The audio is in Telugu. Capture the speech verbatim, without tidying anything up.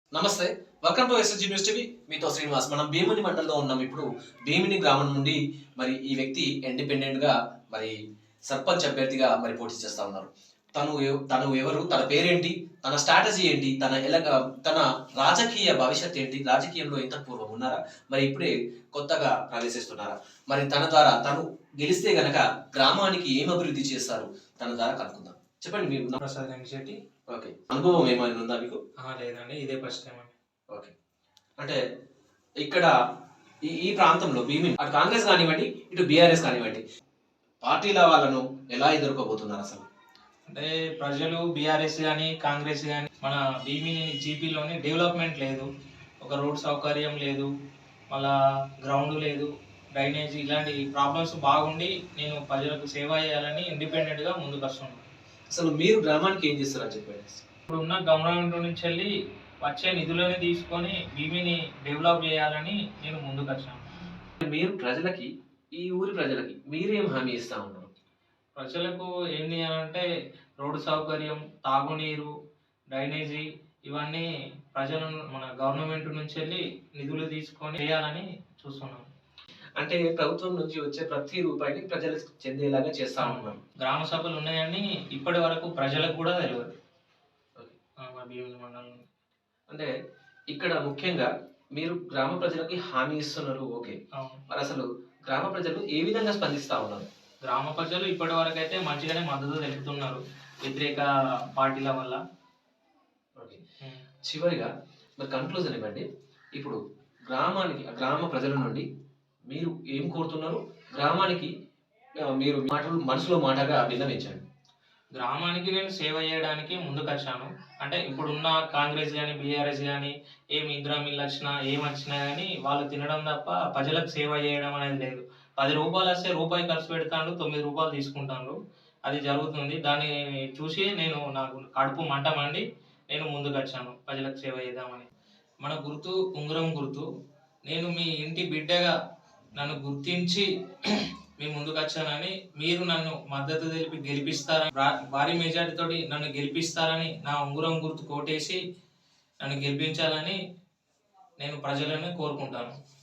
నమస్తే. Welcome to SSG news TV. మీతో శ్రీనివాస్. మనం భీమిని మండలంలో ఉన్నాం. ఇప్పుడు భీమిని గ్రామం నుండి మరి ఈ వ్యక్తి ఇండిపెండెంట్ గా మరి సర్పంచ్ అభ్యర్థిగా మరి పోటీ చేస్తా ఉన్నారు. తను ఎవ- తను ఎవరు, తన పేరేంటి, తన స్ట్రాటజీ ఏంటి, తన ఎలా తన రాజకీయ భవిష్యత్ ఏంటి, రాజకీయంలో ఎంత పూర్వం ఉన్నారా, మరి ఇప్పుడే కొత్తగా ప్రవేశిస్తున్నారా, మరి తన ద్వారా తను గెలిస్తే గనక గ్రామానికి ఏం అభివృద్ధి చేస్తారు, తన ద్వారా కనుక్కుందాం. చెప్పండి మీరు. ప్రసాద్ వెంకటశెట్టి. ఓకే, అనుభవం ఏమైనా ఉందా మీకు? ఆహా, లేదండి, ఇదే ఫస్ట్ టైం అండి. ఓకే, అంటే ఇక్కడ ఈ ఈ ప్రాంతంలో భీమిని అటు కాంగ్రెస్ కానివ్వండి, ఇటు బీఆర్ఎస్ కానివ్వండి, పార్టీల వాళ్ళను ఎలా ఎదుర్కోబోతున్నారు అసలు? అంటే ప్రజలు బీఆర్ఎస్ కానీ కాంగ్రెస్ కానీ మన భీమిని జీపీలోని డెవలప్మెంట్ లేదు, ఒక రోడ్ సౌకర్యం లేదు, మళ్ళా గ్రౌండ్ లేదు, డ్రైనేజ్, ఇలాంటి ప్రాబ్లమ్స్ బాగుండి నేను ప్రజలకు సేవ చేయాలని ఇండిపెండెంట్గా ముందుకు వస్తున్నాను. అసలు మీరు గ్రామానికి ఏం చేస్తారని చెప్పండి. ఇప్పుడు ఉన్న గవర్నమెంట్ నుంచి వెళ్ళి వచ్చే నిధులని తీసుకొని భీమిని డెవలప్ చేయాలని నేను ముందుకు వచ్చాను. మీరు ప్రజలకి, ఈ ఊరి ప్రజలకి మీరేం హామీ ఇస్తా ఉన్నారు? ప్రజలకు ఏంటి అని అంటే రోడ్డు సౌకర్యం, తాగునీరు, డ్రైనేజీ, ఇవన్నీ ప్రజలు మన గవర్నమెంట్ నుంచి వెళ్ళి నిధులు తీసుకొని చేయాలని చూస్తున్నాం. అంటే ప్రభుత్వం నుంచి వచ్చే ప్రతి రూపాయిని ప్రజలకు చెందేలాగా చేస్తా ఉన్నాం. గ్రామ సభలు ఉన్నాయని ఇప్పటి వరకు ప్రజలకు కూడా తెలియదు. ఆ, మా భీమిలి మండలం అంటే ఇక్కడ ముఖ్యంగా మీరు గ్రామ ప్రజలకి హామీ ఇస్తున్నారు, ఓకే. అవును. మరి అసలు గ్రామ ప్రజలు ఏ విధంగా స్పందిస్తా ఉన్నారు? గ్రామ ప్రజలు ఇప్పటి వరకు అయితే మంచిగానే మద్దతు తెలుపుతున్నారు వ్యతిరేక పార్టీల వల్ల. ఓకే, ఉం. చివరిగా మరి కన్క్లూజన్ ఇవ్వండి. ఇప్పుడు గ్రామానికి, గ్రామ ప్రజల నుండి మీరు ఏం కోరుతున్నారు? గ్రామానికి ఆ, మీరు మాటలు మనసులో మాటగా విన్నవించండి. గ్రామానికి నేను సేవ చేయడానికి ముందుకు వచ్చాను. అంటే ఇప్పుడున్న కాంగ్రెస్ కానీ బీఆర్ఎస్ కానీ ఏం ఇందిరా మిల్లు వచ్చినా ఏం వచ్చినా కానీ వాళ్ళు తినడం తప్ప ప్రజలకు సేవ చేయడం అనేది లేదు. పది రూపాయలు వస్తే రూపాయి ఖర్చు పెడతాను, తొమ్మిది రూపాయలు తీసుకుంటాను, అది జరుగుతుంది. దాన్ని చూసి నేను నాకు కడుపు మంట మండి నేను ముందుకు వచ్చాను ప్రజలకు సేవ చేద్దామని. మన గుర్తు ఉంగరం గుర్తు. నేను మీ ఇంటి బిడ్డగా నన్ను గుర్తించి మీ ముందుకు వచ్చానని, మీరు నన్ను మద్దతు తెలిపి గెలిపిస్తారని, భారీ మెజార్టీ తోటి నన్ను గెలిపిస్తారని, నా ఉంగరం గుర్తు కోటేసి నన్ను గెలిపించాలని నేను ప్రజలను కోరుకుంటాను.